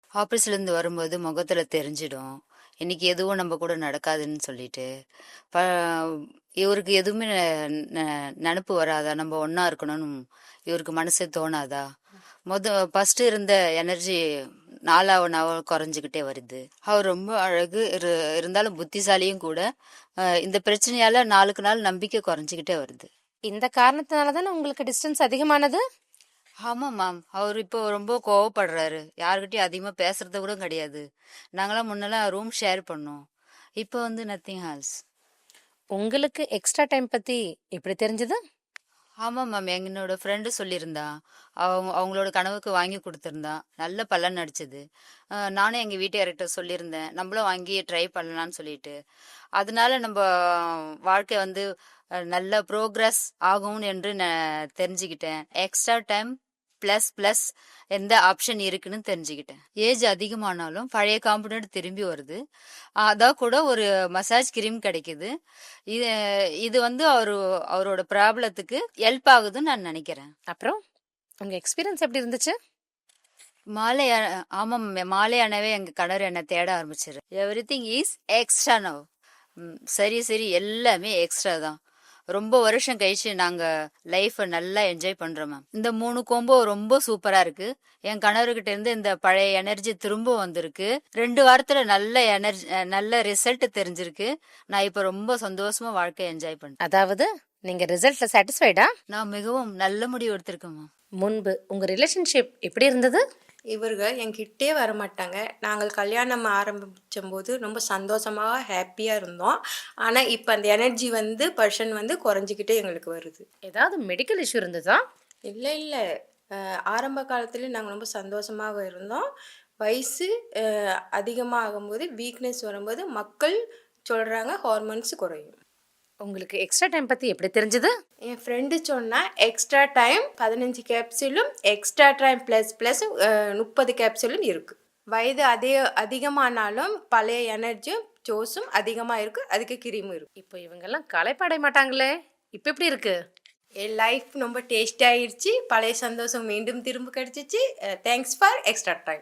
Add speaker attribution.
Speaker 1: ஆஃபீஸ்லேருந்து வரும்போது முகத்துல தெரிஞ்சிடும். இன்னைக்கு எதுவும் நம்ம கூட நடக்காதுன்னு சொல்லிட்டு. ப இவருக்கு எதுவுமே நெனப்பு வராதா? நம்ம ஒண்ணா இருக்கணும்னு இவருக்கு மனசே தோணாதா? ஃபர்ஸ்ட் இருந்த எனர்ஜி நாளாவ நாள் குறைஞ்சுக்கிட்டே வருது. அவர் ரொம்ப அழகு இருந்தாலும் புத்திசாலியும் கூட. இந்த பிரச்சனையால நாளுக்கு நாள் நம்பிக்கை குறைஞ்சுக்கிட்டே வருது.
Speaker 2: இந்த காரணத்தினால தானே உங்களுக்கு டிஸ்டன்ஸ் அதிகமானது?
Speaker 1: ஆமா மேம். அவர் இப்போ ரொம்ப கோவப்படுறாரு. யார்கிட்டயும் அதிகமா பேசுறது கூட கிடையாது. நாங்களாம் முன்னெல்லாம் ரூம் ஷேர் பண்ணோம். இப்போ வந்து நத்திங் ஹால்ஸ்.
Speaker 2: உங்களுக்கு எக்ஸ்ட்ரா டைம் பத்தி எப்படி தெரிஞ்சது?
Speaker 1: ஆமா மேம். என்னோட ஃப்ரெண்டு சொல்லியிருந்தா. அவங்களோட கனவுக்கு வாங்கி கொடுத்துருந்தா. நல்ல பலன் அடிச்சது. நானும் எங்க வீட்டுக்காரர்கிட்ட சொல்லியிருந்தேன். நம்மளும் வாங்கி ட்ரை பண்ணலாம்னு சொல்லிட்டு. அதனால நம்ம வாழ்க்கை வந்து நல்ல ப்ரோக்ரஸ் ஆகும் என்று நான் தெரிஞ்சுக்கிட்டேன். எக்ஸ்ட்ரா டைம் பிளஸ் பிளஸ் எந்த ஆப்ஷன் இருக்குன்னு தெரிஞ்சுக்கிட்டேன். ஏஜ் அதிகமானாலும் பழைய கான்பிடென்ட் திரும்பி வருது. அதான் கூட ஒரு மசாஜ் கிரீம் கிடைக்குது. இது இது வந்து அவரோட ப்ராப்ளத்துக்கு ஹெல்ப் ஆகுதுன்னு நான் நினைக்கிறேன்.
Speaker 2: அப்புறம் உங்க எக்ஸ்பீரியன்ஸ் எப்படி இருந்துச்சு?
Speaker 1: மாலை ஆமாம் மாலை ஆனவே எங்க கணவர் என்ன தேட ஆரம்பிச்சிரு. Everything is extra now. சரி சரி, எல்லாமே எக்ஸ்ட்ரா தான். ரொம்ப வருஷம் கழிச்சு நாங்க லைஃப நல்லா என்ஜாய் பண்றோம் மேம். இந்த 3 கோம்போ ரொம்ப சூப்பரா இருக்கு. என் கணவர்கிட்ட இருந்து இந்த பழைய எனர்ஜி திரும்ப வந்திருக்கு. 2 வாரத்துல நல்ல எனர்ஜி, நல்ல ரிசல்ட் தெரிஞ்சிருக்கு. நான் இப்ப ரொம்ப சந்தோஷமா வாழ்க்கையை என்ஜாய் பண்றேன்.
Speaker 2: அதாவது நீங்க ரிசல்ட்ல சாட்டிஸ்ஃபைடா?
Speaker 1: நான் மிகவும் நல்ல முடிவு எடுத்திருக்கேன் மேம்.
Speaker 2: முன்பு உங்க ரிலேஷன்ஷிப் எப்படி இருந்தது?
Speaker 3: இவர்கள் என்கிட்டே வரமாட்டாங்க. நாங்கள் கல்யாணம் ஆரம்பிச்சம்போது ரொம்ப சந்தோஷமாக ஹாப்பியாக இருந்தோம். ஆனால் இப்போ அந்த எனர்ஜி வந்து பர்சன் வந்து குறைஞ்சிக்கிட்டே எங்களுக்கு வருது.
Speaker 2: ஏதாவது மெடிக்கல் இஷ்யூ இருந்ததா?
Speaker 3: இல்லை இல்லை, ஆரம்ப காலத்துல நாங்கள் ரொம்ப சந்தோஷமாக இருந்தோம். வயசு அதிகமாக ஆகும்போது வீக்னஸ் வரும்போது மக்கள் சொல்கிறாங்க ஹார்மோன்ஸ் குறையும்.
Speaker 2: உங்களுக்கு எக்ஸ்ட்ரா டைம் பத்தி எப்படி தெரிஞ்சது?
Speaker 3: என் ஃப்ரெண்டு சொன்னா எக்ஸ்ட்ரா டைம் 15 கேப்சூலும் எக்ஸ்ட்ரா டைம் ப்ளஸ் ப்ளஸ் 30 கேப்சூலும் இருக்குது. வயது அதிகமானாலும் பழைய எனர்ஜியும் ஜோஸும் அதிகமாக இருக்குது. அதுக்கு கிரீமும் இருக்குது.
Speaker 2: இப்போ இவங்கெல்லாம் களைப்பாடைய மாட்டாங்களே, இப்போ எப்படி இருக்கு?
Speaker 3: என் லைஃப் ரொம்ப டேஸ்டி ஆயிடுச்சு. பழைய சந்தோஷம் மீண்டும் திரும்ப கிடச்சிச்சு. Thanks for Extra time.